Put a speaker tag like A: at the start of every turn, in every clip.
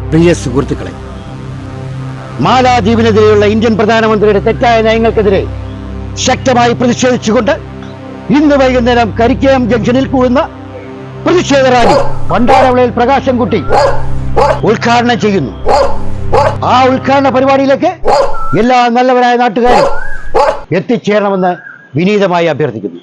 A: പ്രിയ സുഹൃത്തുക്കളെ, മാലാദ്വീപിനെതിരെയുള്ള ഇന്ത്യൻ പ്രധാനമന്ത്രിയുടെ തെറ്റായ നയങ്ങൾക്കെതിരെ ശക്തമായി പ്രതിഷേധിച്ചുകൊണ്ട് ഇന്ന് വൈകുന്നേരം കരിക്കയം ജംഗ്ഷനിൽ കൂടുന്ന പ്രതിഷേധ റാലി പണ്ടാരവിളയിൽ പ്രകാശൻകുട്ടി ഉദ്ഘാടനം ചെയ്യുന്നു. ആ ഉദ്ഘാടന പരിപാടിയിലേക്ക് എല്ലാ നല്ലവരായ നാട്ടുകാരും എത്തിച്ചേരണമെന്ന് വിനീതമായി അഭ്യർത്ഥിക്കുന്നു.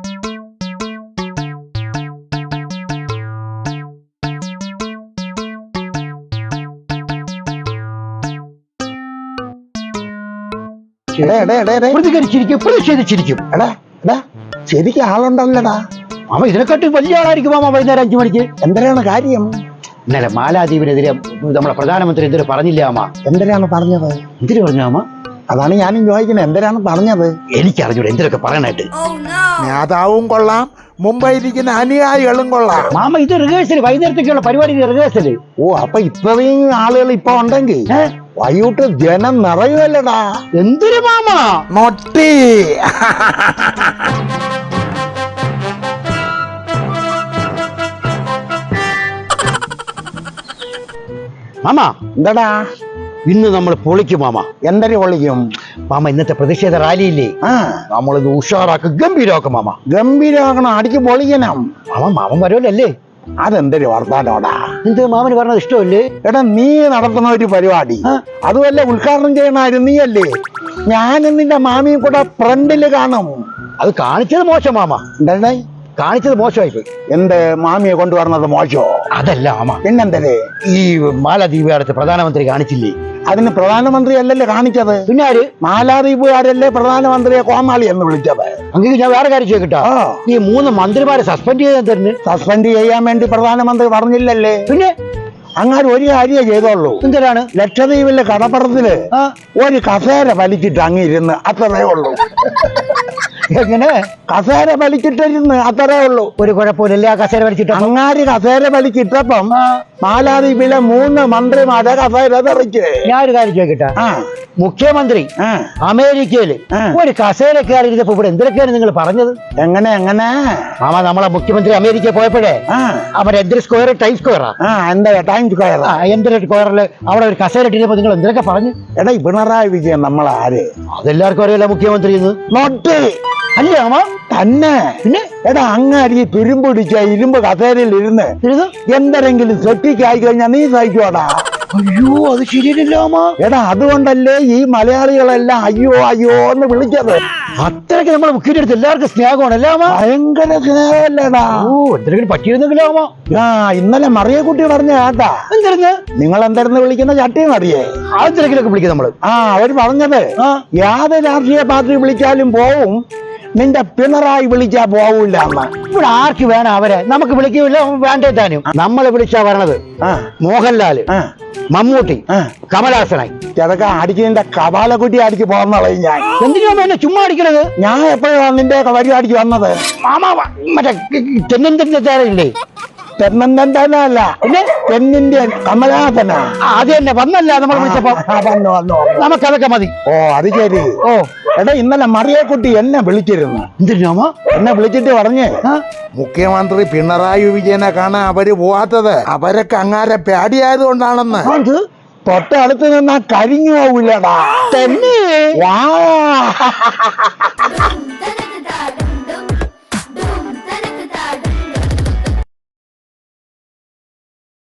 A: പ്രതികരിച്ചിരിക്കും, പ്രതിഷേധിച്ചിരിക്കും.
B: ശരിക്കും ആളുണ്ടല്ലടാ.
A: അവ ഇതിനെക്കാട്ടി വലിയ ആളായിരിക്കും മാമ. വൈകുന്നേരം 5 മണിക്ക്.
B: എന്തിനാണ് കാര്യം?
A: ഇന്നലെ മാലാദ്വീപിനെതിരെ നമ്മുടെ പ്രധാനമന്ത്രി എന്തിനു പറഞ്ഞില്ല അമ്മ?
B: എന്തിനാണ് പറഞ്ഞത്?
A: എന്തിനു പറഞ്ഞു അമ്മ?
B: അതാണ് ഞാനും ചോദിക്കുന്നത്, എന്തിനാണ് പറഞ്ഞത്?
A: എനിക്കറിഞ്ഞൂടെ എന്തിനൊക്കെ പറയണായിട്ട്.
B: നേതാവും കൊള്ളാം, മുമ്പ് ഇരിക്കുന്ന അനുയായികളും കൊള്ളാം.
A: മാമ ഇത് റിഹേഴ്സൽ, വൈകുന്നേരത്തേക്കുള്ള പരിപാടി റിഹേഴ്സൽ.
B: ഓ, അപ്പൊ ഇത്രയും ആളുകൾ ഇപ്പൊ ഉണ്ടെങ്കിൽ വൈകിട്ട് ജനം നിറയുമല്ലടാ.
A: എന്തിനു മാമ?
B: നൊട്ടി.
A: മാമ
B: എന്താടാ?
A: ഇന്ന് നമ്മൾ പൊളിക്കും മാമ.
B: എന്തൊരു പൊളിക്കും
A: മാമ? ഇന്നത്തെ പ്രതിഷേധ റാലിയില്ലേ, നമ്മളിത് ഉഷാറാക്കും, ഗംഭീരമാക്കും മാമ.
B: ഗംഭീരമാക്കണം, അടിക്ക് പൊളിക്കണം.
A: മാമൻ വരുമല്ലേ?
B: അതെന്തൊരു വർത്താനോടാ?
A: എന്ത് മാമന് പറഞ്ഞത് ഇഷ്ടമല്ലേ?
B: എടാ, നീ നടത്തുന്ന ഒരു പരിപാടി അതുമല്ല ഉദ്ഘാടനം ചെയ്യണമായിരുന്നു നീയല്ലേ. ഞാനും നിന്റെ മാമിയും കൂടെ ഫ്രണ്ടില് കാണും.
A: അത് കാണിച്ചത് മോശം മാമ.
B: എന്താ
A: കാണിച്ചത് മോശമായിപ്പോയി.
B: എന്ത് മാമിയെ കൊണ്ടുവരുന്നത് മോശമോ?
A: അതല്ല മാമ,
B: പിന്നെന്തേ
A: ഈ മാലദ്വീപുകാരത്തെ പ്രധാനമന്ത്രി കാണിച്ചില്ലേ?
B: അതിന് പ്രധാനമന്ത്രി അല്ലല്ലേ കാണിച്ചത്?
A: പിന്നെ ആര്?
B: മാലാദ്വീപുകാരല്ലേ പ്രധാനമന്ത്രിയെ കോമാളി എന്ന് വിളിച്ചത്?
A: അങ്ങനെ ഞാൻ വേറെ കാര്യം ചോദിക്കട്ടോ, ഈ 3 മന്ത്രിമാരെ സസ്പെൻഡ് ചെയ്താൽ തരുന്നു.
B: സസ്പെൻഡ് ചെയ്യാൻ വേണ്ടി പ്രധാനമന്ത്രി പറഞ്ഞില്ലല്ലേ?
A: പിന്നെ
B: അങ്ങനെ ഒരു കാര്യം ചെയ്തോളൂ.
A: എന്തിനാണ്?
B: ലക്ഷദ്വീപിലെ കടപ്പുറത്തില് ഒരു കസേര വലിച്ചിട്ട് അങ്ങിരുന്ന്, അത്രേ ഉള്ളൂ.
A: എങ്ങനെ?
B: കസേര വലിച്ചിട്ടിരുന്ന്, അത്രേ ഉള്ളൂ.
A: ഒരു കുഴപ്പമില്ല. ആ കസേര വലിച്ചിട്ട്
B: അങ്ങാരി കസേര വലിച്ചിട്ടപ്പം മാലാദ്വീപിലെ 3 മന്ത്രിമാരെ കസേര തെറിച്ച്.
A: ഞാൻ ഒരു കാര്യം ചോദിക്കട്ടെ, മുഖ്യമന്ത്രി അമേരിക്കയില് ഒരു കസേര കയറിയിരുന്നപ്പോ ഇവിടെ എന്തൊക്കെയാണ് നിങ്ങൾ പറഞ്ഞത്?
B: എങ്ങനെ എങ്ങനെ
A: മാമ, നമ്മളെ മുഖ്യമന്ത്രി അമേരിക്ക പോയപ്പോഴേ അവരെ എന്തൊരു സ്ക്വയർ, ടൈം സ്ക്വയറാ?
B: എന്താ ടൈം സ്ക്വയർ?
A: എന്തൊരു സ്ക്വയറില് അവിടെ ഒരു കസേര ഇട്ടിരുന്നപ്പോ നിങ്ങൾ എന്തൊക്കെ പറഞ്ഞു?
B: എടാ, പിണറായി വിജയൻ നമ്മളാര്?
A: അതെല്ലാവർക്കും അറിയില്ല മുഖ്യമന്ത്രി
B: നോട്ട്
A: അല്ലേ അമ്മ?
B: തന്നെ.
A: പിന്നെ
B: എടാ, അങ്ങാരി തുരുമ്പ് പിടിച്ച ഇരുമ്പ് കസേരയിൽ ഇരുന്ന് എന്തെങ്കിലും സെറ്റിക്കായി കഴിഞ്ഞാൽ നീ സഹിക്കോടാ?
A: അയ്യോ, അത് ശരിയല്ലോ അമ്മ.
B: എടാ, അതുകൊണ്ടല്ലേ ഈ മലയാളികളെല്ലാം അയ്യോ അയ്യോ എന്ന് വിളിച്ചത്.
A: അത്രയ്ക്ക് നമ്മളെ മുഖ്യന്റെ അടുത്ത് എല്ലാവർക്കും സ്നേഹമാണല്ലേ അമ്മ?
B: ഭയങ്കര സ്നേഹമല്ലേടാ.
A: ഓ, എന്തെങ്കിലും പറ്റിയിരുന്നെങ്കിലോ അമ്മ?
B: ഇന്നലെ മറിയക്കുട്ടി പറഞ്ഞ കേട്ടാ.
A: എന്തായിരുന്നു?
B: നിങ്ങൾ എന്തായിരുന്നു വിളിക്കുന്ന ചട്ടി മറിയേ?
A: ആദ്യത്തിലൊക്കെ വിളിക്കും നമ്മള്.
B: അവര് പറഞ്ഞത് യാതൊരു രാഷ്ട്രീയ പാർട്ടി വിളിച്ചാലും പോവും, നിന്റെ പിണറായി വിളിച്ചാ പോവൂല.
A: ഇവിടെ ആർക്ക് വേണം അവരെ? നമുക്ക് വിളിക്കില്ല, വേണ്ടേ താനും. നമ്മളെ വിളിച്ചാ വരണത് മോഹൻലാല്, മമ്മൂട്ടി, കമലഹാസനായി.
B: ചെറുക്ക അടിക്കുന്നതിന്റെ കപാലക്കുട്ടി അടിക്ക് പോന്നളയും ഞാൻ.
A: എന്തിനാ എന്നെ ചുമ്മാ അടിക്കണത്?
B: ഞാൻ എപ്പോഴാണ് നിന്റെ പരിപാടിക്ക് വന്നത്?
A: മാമ മറ്റേ തെന്നിന്റെ തേരയില്ലേ?
B: തെന്നല്ല, പിന്നെ തെന്നിന്റെ കമലഹാസനാ.
A: അത് തന്നെ വന്നല്ല നമ്മൾ വിളിച്ചപ്പോ.
B: വന്നു.
A: നമുക്കതൊക്കെ മതി.
B: ഓ, അത് ശരി.
A: ഓ,
B: എടാ, ഇന്നലെ മറിയക്കുട്ടി എന്നെ വിളിച്ചിരുന്നു.
A: എന്തിനാമ?
B: എന്നെ വിളിച്ചിട്ട് പറഞ്ഞേ, മുഖ്യമന്ത്രി പിണറായി വിജയനെ കാണാൻ അവര് പോവാത്തത് അവരൊക്കെ അങ്ങാരെ പേടിയായതുകൊണ്ടാണെന്ന്. തൊട്ടടുത്ത് നിന്നാ കരിഞ്ഞു പോവില്ലടാ.
A: തന്നെ.
B: വാ.